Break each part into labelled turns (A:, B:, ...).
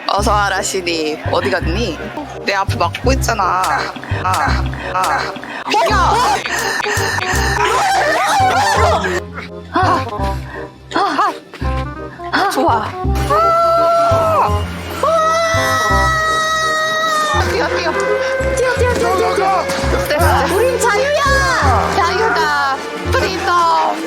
A: 어서 와라 시니. 어디 갔니? 내 앞을 막고 있잖아. 좋아. 뛰어.
B: 나가!
A: 됐어.
C: 우린 자유야.
A: 자유다. 프리덤.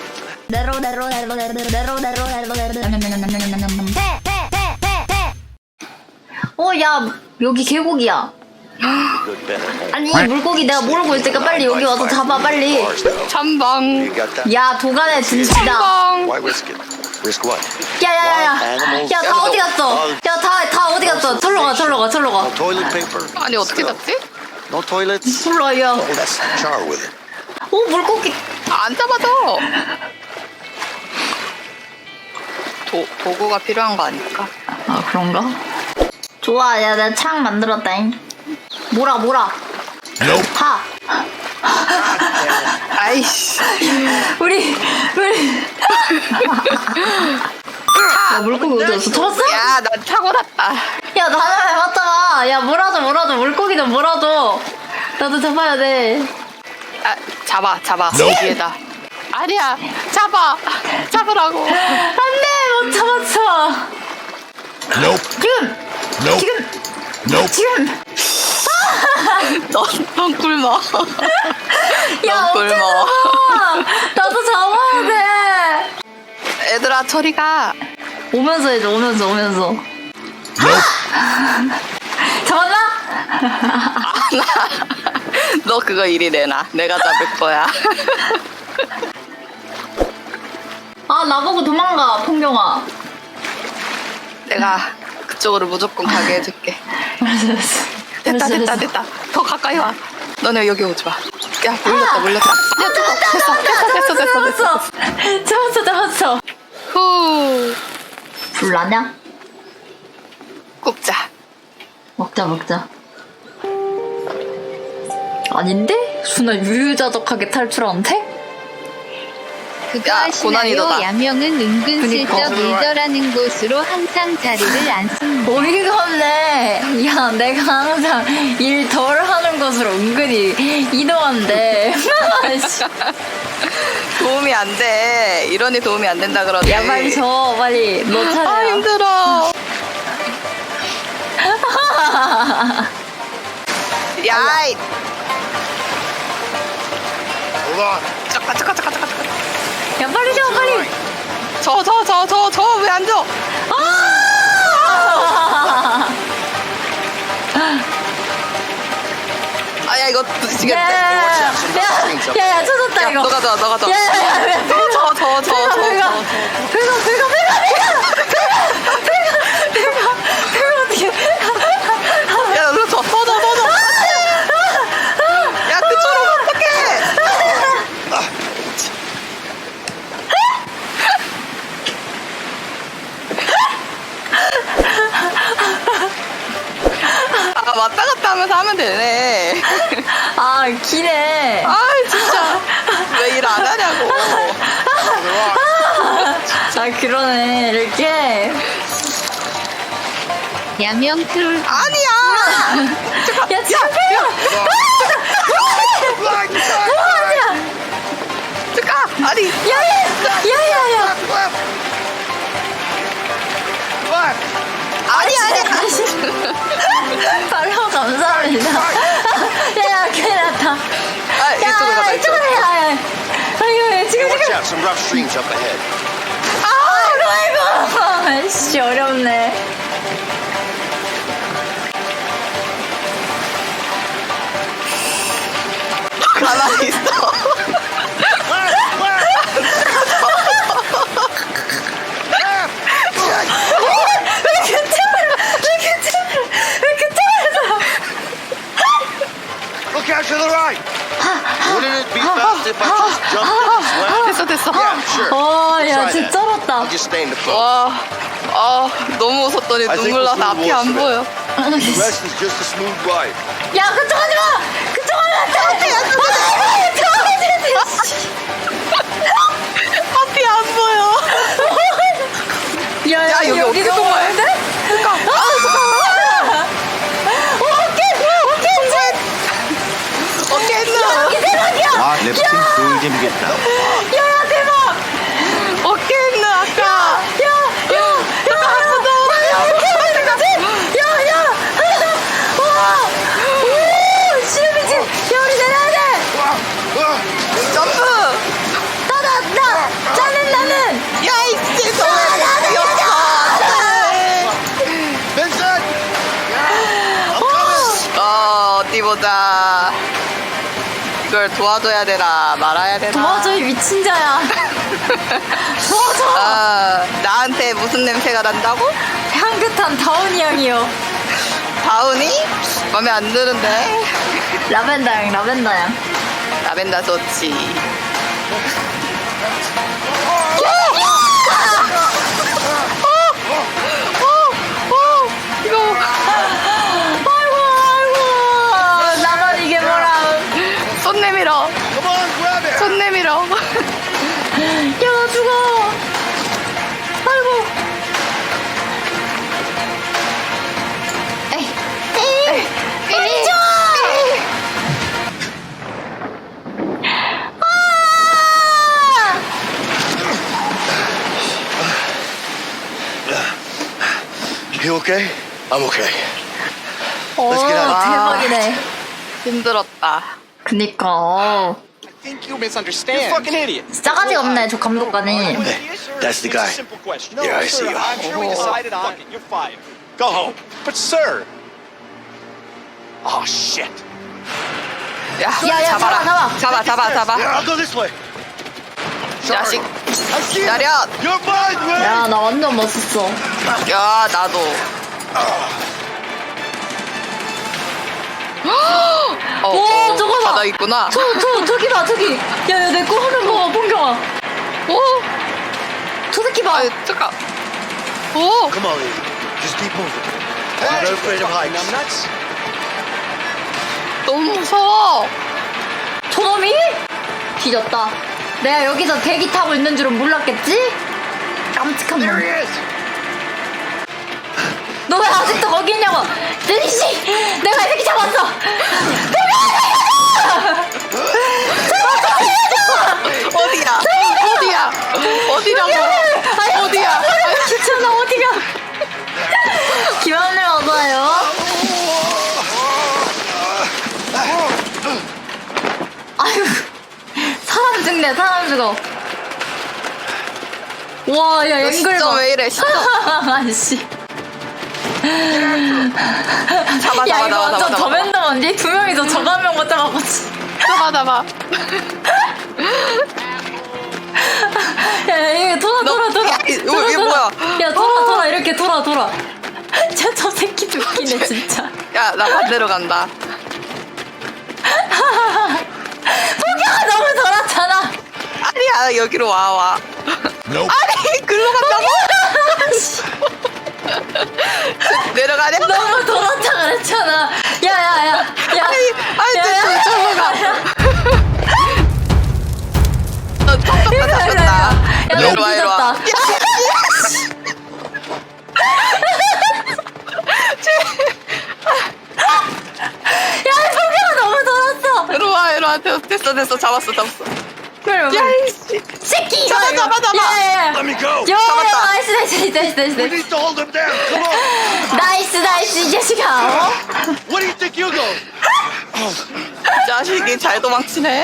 C: 야, 여기 계곡이야. 아니, 물고기 내가 모르고 있으니까 빨리 여기 와서 잡아, 빨리.
A: 전방.
C: 야, 도간에 진치다.
A: 전방.
B: Why risk it? Risk what?
C: 야, 다 어디 갔어? 야, 다 어디 갔어? 절로 가.
B: No toilet paper.
A: 아니 어떻게 잡지?
B: No toilets?
C: 절로 와, 야.
B: Oh, that's char with it.
C: 오, 물고기.
A: 안 잡아줘. 도구가 필요한 거 아닐까?
C: 아, 그런가? 좋아, 야, 내가 창 만들었다잉. 몰아. 하.
A: 아이씨.
C: 우리. 야, 물고기 어디 갔어? 잡았어?
A: 야, 난 타고났다.
C: 야, 나는 해봤잖아. 야, 몰아줘. 물고기 좀 몰아줘. 나도 잡아야 돼.
A: 아, 잡아. 뒤에다. 아니야, 잡으라고.
C: 안 돼, 못 잡았어. 지금.
A: 넌 굶어.
C: 야,
A: 넌
C: 어떻게
A: 굶어.
C: 잡아? 나도 잡아야 돼.
A: 얘들아, 저리 가.
C: 오면서 해줘, 오면서. 잡았나?
A: 너 그거 이리 내놔. 내가 잡을 거야.
C: 아, 나보고 도망가, 풍경아.
A: 내가 그쪽으로 무조건 가게 해줄게.
C: 알았어.
A: 됐다. 더 가까이 와. 너네 여기 오지 마. 야, 물렸다. 야, 됐어.
C: 잡았어.
A: 후.
C: 불나냐?
A: 굽자.
C: 먹자. 아닌데? 순아 유유자적하게 탈출하는데?
D: 그거
A: 야,
D: 아시나요?
A: 고난이도다.
D: 야명은 은근슬쩍
C: 그니까.
D: 리더라는 곳으로 항상 자리를 안 씁니다.
C: 어이가 없네. 야, 내가 항상 일 덜 하는 곳으로 은근히 이동한대.
A: 도움이 안 돼. 이러니 도움이 안 된다 그러지.
C: 야, 빨리 줘, 빨리. 너 차례야.
A: 아, 힘들어. 야이.
B: Hold on.
A: 잠깐.
C: 야, 빨리 줘, 빨리.
A: 저 왜 안 줘? 야, 이거 부딪히겠네.
C: 야, 쳐졌다,
A: 야,
C: 이거.
A: 너 가져.
C: 야,
A: 저. 야, 너 더. 야, 그쪽으로 어떡해. 아, 왔다 갔다 하면서 하면 되네.
C: 아, 기네.
A: 아, 진짜. 왜 일 안 하냐고.
C: 아, 그러네. 이렇게.
D: 야명 트롤
A: 아니야.
C: 야, 지금
A: 잠깐. 아니.
C: 야야야.
A: 아니.
C: 발로 감사합니다. 야, 큰일 났다.
A: 아, 이쪽으로 가자.
C: 이쪽으로 해. 아이고, 지금.
B: Watch out, some rough streams up ahead.
C: 아이고. 아이씨, 어렵네.
A: 가만히 있어.
B: Look out to the right. Wouldn't it be best if I just jumped in and swam?
A: 됐어.
B: Yeah, sure.
C: 야,
B: Try
C: 진짜
B: that.
C: 쩔었다.
B: I'll just stay in the boat.
A: 와, 너무 웃었더니
B: I think
A: 눈물 나서
B: we'll
A: 앞이
B: soon
A: 안
B: wash
A: 보여.
B: The rest is just a smooth ride.
C: 야, 그쪽 하지 마! 그쪽 하지 마!
A: 앞이 안 보여.
C: 야,
A: 야, 여기 어떻게
C: 너무
A: 또
C: 많은데?
A: 그러니까.
B: 미치겠다.
C: 야야 대박.
A: 어깨 있는 아까. 점프.
C: 나는
A: 야 이씨 너무 귀엽다.
B: Vincent! I'm coming!
A: 어디 보자. 이걸 도와줘야 되나 말아야 되나.
C: 도와줘 이 미친 자야. 도와줘.
A: 나한테 무슨 냄새가 난다고?
C: 향긋한 다운이 향이요.
A: 다운이? 맘에 안 드는데.
C: 라벤더 향
A: 라벤더 좋지. 이거
C: 아이고 나만 이게 뭐라.
A: 손 내밀어.
B: Come on, grab it!
A: 손 내밀어.
C: 야 나 죽어. 아이고. 에이 빨리 줘.
B: You okay? I'm okay.
C: 오
B: Let's get out.
C: 대박이네.
A: 힘들었다.
C: 그니까
E: I think you misunderstand.
F: You're a fucking idiot.
C: 싸가지가 없네 저 감독관이.
B: Hey, that's the guy.
F: Simple question.
B: Yeah, I see you.
F: I'm sure we decided on. Fuck it, you're fired. Go home.
E: But sir,
F: Oh shit.
A: 야,
C: 야, 잡아.
B: Yeah, I'll go this way.
A: 자식.
B: I see you.
A: 기다려.
B: You're mine, man!
C: 야 나 완전 멋있어.
A: 야, 나도.
C: 오, 저거 봐.
A: 바다 있구나.
C: 저기 봐 저기. 야야 내 거 하는 거 봐 봉경아.
A: 오,
C: 저 새끼 봐.
A: 아, 잠깐. 오,
B: Come on, Lee. Just keep moving. I'm not afraid of heights.
E: numbnuts.
A: 너무 무서워.
C: 저놈이? 뒤졌다. 내가 여기서 대기 타고 있는 줄은 몰랐겠지? 깜찍한
B: There
C: 놈.
B: he is!
C: 너 왜 아직도 거기 있냐고? 데니씨! 내가 이 새끼 잡았어!
A: 어디야? 어디라고? 어디야?
C: 귀찮아 어디가? 기만을 얻어요. 아유 사람 죽어. 와, 야, 앵글
A: 시점
C: 봐.
A: 왜 이래, 시점.
C: 아씨.
A: 잡아,
C: 야, 이거
A: 잡아,
C: 완전
A: 잡아.
C: 더맨더맨디? 두 명이서 저거 한 명 못 잡아봤지.
A: 잡아.
C: 야, 이거 돌아.
A: 야, 이게 뭐야?
C: 야, 돌아. 이렇게 돌아. 저 새끼 웃기네, 진짜.
A: 야, 나 반대로 간다.
C: 포기가 너무 돌았잖아.
A: 아니야, 여기로 와. 아니, 글로 간다고? 내려가냐?
C: 너무 돌았다 그랬잖아. 야.
A: 아니, 저로 가. 잡혔다.
C: 야, 너
A: 이리 와.
C: 늦었다. 야, 포기가 너무 돌았어.
A: 이리 와. 됐어. 잡았어.
C: 그래,
A: 야, 이씨.
C: 새끼.
A: 잡아.
C: 야.
B: Let me go!
C: 야,
A: 잡았다.
C: 나이스.
B: We need to hold him down! Come on!
C: 나이스, 이 자식아. 어?
B: What do you think you're going?
A: 자식이 잘 도망치네.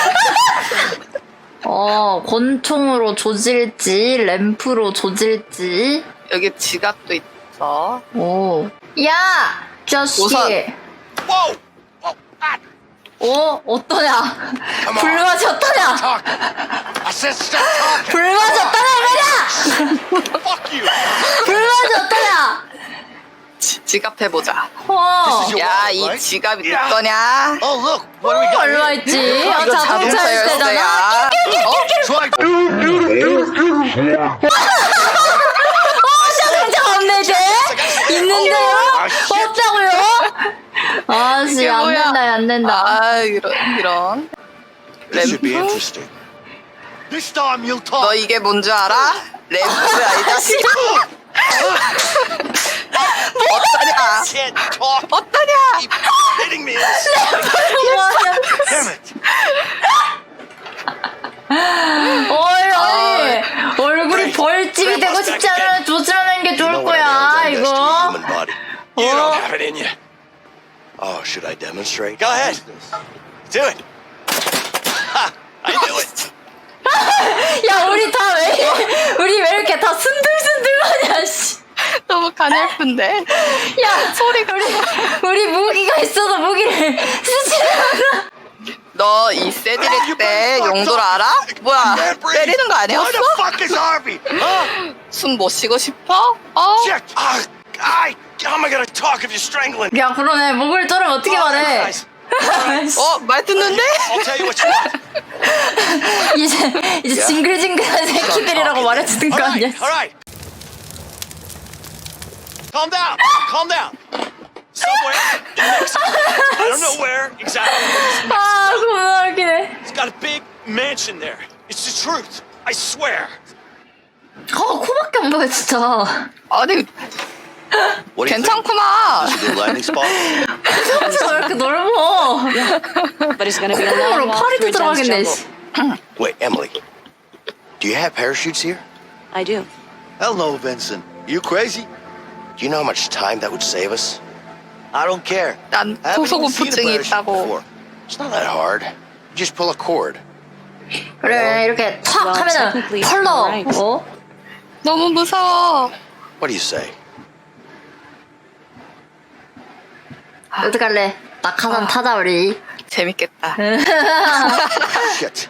C: 권총으로 조질지, 램프로 조질지.
A: 여기 지갑도 있어.
C: 오. 야! 자식.
A: 우선.
B: Whoa! Whoa! Ah!
C: 어떠냐?
B: Come on.
C: 불맛이 어떠냐?
B: Talk! I said stop talking!
C: 불맛이 어떠냐, 이거냐?
B: Fuck you!
C: 불맛이 어떠냐?
A: 지갑 해보자.
B: This is your
A: 야,
B: wallet,
A: 이
B: right?
A: 지갑이 네
B: Yeah.
A: 거냐?
B: Oh, look! What do we got
C: 얼마
B: here?
C: 있지?
A: 이거
C: 자동차 열쇠잖아.
B: Try...
C: 자동차 없네, 이제? 있는데요? 없다고요? 아씨,
A: 이게
C: 안
A: 뭐야?
C: 된다, 안 된다.
A: 아, 이런.
B: This should be
A: 램프?
B: interesting. This time you'll talk!
A: 너 이게 뭔 줄 알아? 램프야, 이 자식. 어떠냐?
B: Can't talk!
A: 어떠냐?
B: Keep hitting me in the side!
C: 뭐하냐?
B: Damn it!
C: 어이 얼굴이 벌집이 되고 싶지 않으면 조심하는 게
B: You
C: 좋을
B: know what a
C: 거야
B: nail gun does to a
C: 이거.
B: human body.
F: You don't have it in you.
B: Oh, should I demonstrate?
F: Go ahead. Do it. Ha! I knew it.
C: 야 우리 다 우리 왜 이렇게 다 순들순들하냐 씨.
A: 너무 가냘픈데.
C: 야 소리가 우리 무기가 있어도 무기를 쓰지 않아.
A: 너 이 세디렉 때 용도를 알아? 뭐야? 때리는 거
B: Where
A: 아니었어?
B: the fuck is Harvey? Huh?
A: 숨 못 쉬고 싶어? 어?
B: Shit! How am I gonna talk if you're strangling?
C: 야 그러네 목을 자르면 어떻게 말해.
F: Guys,
A: 어? 말 듣는데?
F: I'll tell you what you want.
C: 이제 징글징글한 새끼들이라고 말해주는 거 아니야.
F: All right. Calm down. Calm down. Somewhere in Mexico. I don't know where exactly.
C: 아 겁나 웃기네.
F: It's got a big mansion there. It's the truth. I swear.
C: 코밖에 안 보여 진짜.
A: 아니
B: What do you
A: 괜찮구나.
B: think? Is it a good landing spot?
C: 진짜 왜 이렇게 넓어.
G: But it's gonna be a long
C: 콩으로
G: walk
C: 파리도
G: through dense
C: 들어가겠네.
G: jungle.
C: 씨.
B: Wait, Emily. Do you have parachutes here?
G: I do.
B: Hell no, Vincent. You crazy? Do you know how much time that would save us? I don't care.
A: 난
B: I haven't even seen a
A: 고소공포증이
B: parachute
A: 있다고.
B: before. It's not that hard. You just pull a cord.
C: 그래 이렇게 탁
G: Well,
C: 하면은
G: technically,
C: 펄러.
G: right.
C: 어?
A: 너무 무서워.
B: What do you say?
C: 어떡할래? 낙하산 타자 우리.
A: 재밌겠다.
B: Shit.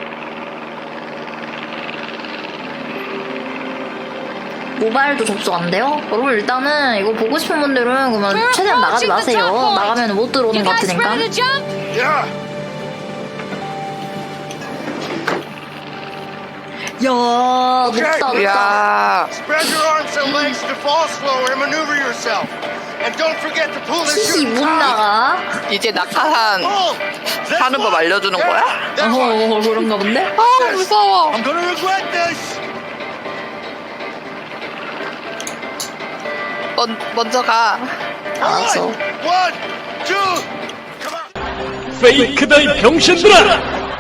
C: 모바일도 접속 안 돼요? 여러분 일단은 이거 보고 싶은 분들은 그러면 최대한 나가지 마세요. 나가면 못 들어오는 것 같으니까.
B: Yeah.
C: 야 높다 높다.
A: 이야.
B: Spread your arms and legs to fall slower and maneuver yourself. And don't forget to pull the
C: 키
B: chute
C: 못
B: tight.
C: 나가.
A: 이제 낙하산
B: Pull. That's
A: 하는 법
B: right.
A: 알려주는 거야?
B: That's right.
C: 그런가 본데?
A: 아 무서워.
B: I'm gonna regret this.
A: 먼저 가.
C: 알았어.
B: One, two, come on.
H: 페이크다 이 병신들아!